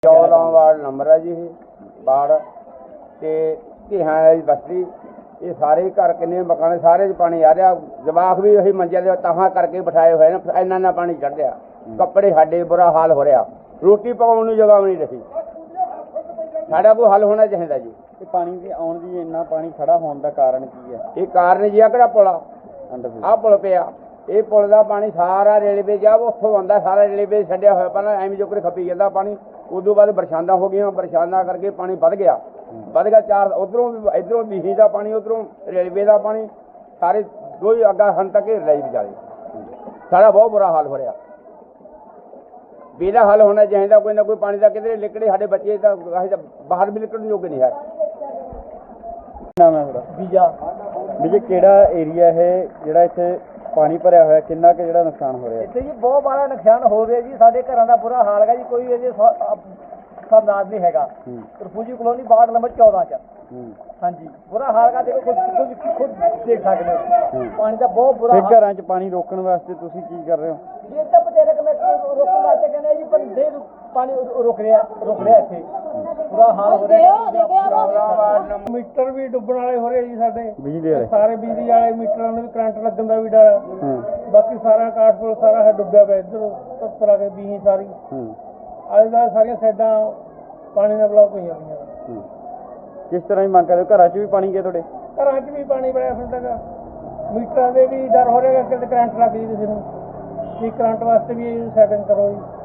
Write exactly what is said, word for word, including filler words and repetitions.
चौदह ward number है जी ward ते धिहां वाली बस्ती ये सारे घर किन्ने मकान सारे पानी आ रहा। जवाक भी वही मंजिल दे तहां करके बिठाए हुए ना, इन्ना इन्ना पानी चढ़ रहा। कपड़े साडे बुरा हाल हो रहा, रोटी पकाउण नूं जगह भी नहीं रही। साडा कोई हल होना चाहिए जी। ਤੇ ਪਾਣੀ ਦੇ ਆਉਣ ਦੀ ਇੰਨਾ ਪਾਣੀ ਖੜਾ ਹੋਣ ਦਾ ਕਾਰਨ ਕੀ ਹੈ? ये कारण जी आ किहड़ा पुल आ आ पुल पिया, ਇਹ ਪੁਲ ਦਾ ਪਾਣੀ ਸਾਰਾ ਰੇਲਵੇ ਜਾ ਉੱਥੋਂ ਆਉਂਦਾ, ਸਾਰਾ ਰੇਲਵੇ ਛੱਡਿਆ ਹੋਇਆ। ਪਹਿਲਾਂ ਐਵੇਂ ਜੋ ਕੋਈ ਖੱਪੀ ਜਾਂਦਾ ਪਾਣੀ, ਉਦੋਂ ਬਾਅਦ ਬਰਸਾਤਾਂ ਹੋ ਗਈਆਂ, ਬਰਸਾਤਾਂ ਕਰਕੇ ਪਾਣੀ ਵੱਧ ਗਿਆ ਵੱਧ ਗਿਆ ਚਾਰ ਉਧਰੋਂ ਵੀ ਇਧਰੋਂ ਬੀਹੀ ਦਾ ਪਾਣੀ, ਉਧਰੋਂ ਰੇਲਵੇ ਦਾ ਪਾਣੀ, ਸਾਰੇ ਦੋ ਹੀ ਅੱਗਾ ਹਨ ਤੱਕ ਘੇਰ ਲਈ ਵਿਚਾਲੇ। ਸਾਡਾ ਬਹੁਤ ਬੁਰਾ ਹਾਲ ਹੋ ਰਿਹਾ। ਵੀ ਇਹਦਾ ਹੱਲ ਹੋਣਾ ਚਾਹੀਦਾ, ਕੋਈ ਨਾ ਕੋਈ ਪਾਣੀ ਦਾ ਕਿਧਰੇ ਨਿਕਲੇ। ਸਾਡੇ ਬੱਚੇ ਤਾਂ ਬਾਹਰ ਵੀ ਨਿਕਲਣ ਯੋਗ ਨਹੀਂ ਹੈ। ਨਾਮ ਹੈ ਤੁਹਾਡਾ? ਵੀਜ਼ਾ ਵੀਜ਼ੇ ਕਿਹੜਾ ਏਰੀਆ ਇਹ ਜਿਹੜਾ ਇੱਥੇ ਪਾਣੀ ਭਰਿਆ ਹੋਇਆ, ਕਿੰਨਾ ਕੁ ਜਿਹੜਾ ਨੁਕਸਾਨ ਹੋ ਰਿਹਾ? ਇੱਥੇ ਜੀ ਬਹੁਤ ਬੜਾ ਨੁਕਸਾਨ ਹੋ ਰਿਹਾ ਜੀ। ਸਾਡੇ ਘਰਾਂ ਦਾ ਬੁਰਾ ਹਾਲ ਹੈਗਾ ਜੀ। ਕੋਈ ਇਹਦੇ ਸਰਦਾਰ ਨਹੀਂ ਹੈਗਾ। ਰਫੂਜੀ ਕਲੋਨੀ ਵਾਰਡ ਨੰਬਰ ਚੌਦਾਂ ਚ। ਹਾਂਜੀ ਬੁਰਾ ਹਾਲ ਹੈਗਾ। ਦੇਖੋ ਖੁਦ ਖੁਦ ਦੇਖ ਸਕਦੇ ਹੋ, ਪਾਣੀ ਦਾ ਬਹੁਤ ਬੁਰਾ ਹਾਲ। ਘਰਾਂ 'ਚ ਪਾਣੀ ਰੋਕਣ ਵਾਸਤੇ ਤੁਸੀਂ ਕੀ ਕਰ ਰਹੇ ਹੋ? ਇਹ ਤਾਂ ਬਤੇਰੇ ਕਿ ਮੈਂ ਰੋਕਣ ਵਾਸਤੇ ਕਹਿੰਦੇ ਜੀ, ਪਰ ਦੇ ਪਾਣੀ ਰੁਕ ਰਿਹਾ ਰੁਕ ਰਿਹਾ ਇੱਥੇ ਬੁਰਾ ਹਾਲ ਹੋ ਰਿਹਾ। ਮੀਟਰ ਵੀ ਡੁੱਬਣ ਵਾਲੇ ਹੋ ਰਹੇ ਜੀ ਸਾਡੇ ਬਿਜਲੀ ਵਾਲੇ ਸਾਰੇ ਬਿਜਲੀ ਵਾਲੇ ਮੀਟਰਾਂ ਨੂੰ ਵੀ ਕਰੰਟ ਲੱਗਣ ਦਾ ਵੀ ਡਰ। ਬਾਕੀ ਸਾਰਾ ਕਾਠਪੁਰ ਸਾਰਾ ਹੈ ਡੁੱਬਿਆ ਪਿਆ। ਇੱਧਰ ਤੱਤਰਾ ਕੇ ਬੀਹੀ ਸਾਰੀ ਅੱਜ ਦਾ ਸਾਰੀਆਂ ਸਾਈਡਾਂ ਪਾਣੀ ਨਾਲ ਬਲੌਕ ਹੋਈਆਂ ਪਈਆਂ। ਕਿਸ ਤਰ੍ਹਾਂ ਦੀ ਮੰਗ ਕਰਦੇ ਹੋ? ਘਰਾਂ 'ਚ ਵੀ ਪਾਣੀ ਗਿਆ ਤੁਹਾਡੇ? ਘਰਾਂ 'ਚ ਵੀ ਪਾਣੀ ਬੜਿਆ ਫਿਰਦਾ। ਮੀਟਰਾਂ ਦੇ ਵੀ ਡਰ ਹੋ ਰਿਹਾ ਕਿ ਕਰੰਟ ਲੱਗ ਜੀ ਕਿਸੇ ਨੂੰ। ਕੀ ਕਰੰਟ ਵਾਸਤੇ ਵੀ ਸੈਟਿੰਗ ਕਰੋ ਜੀ।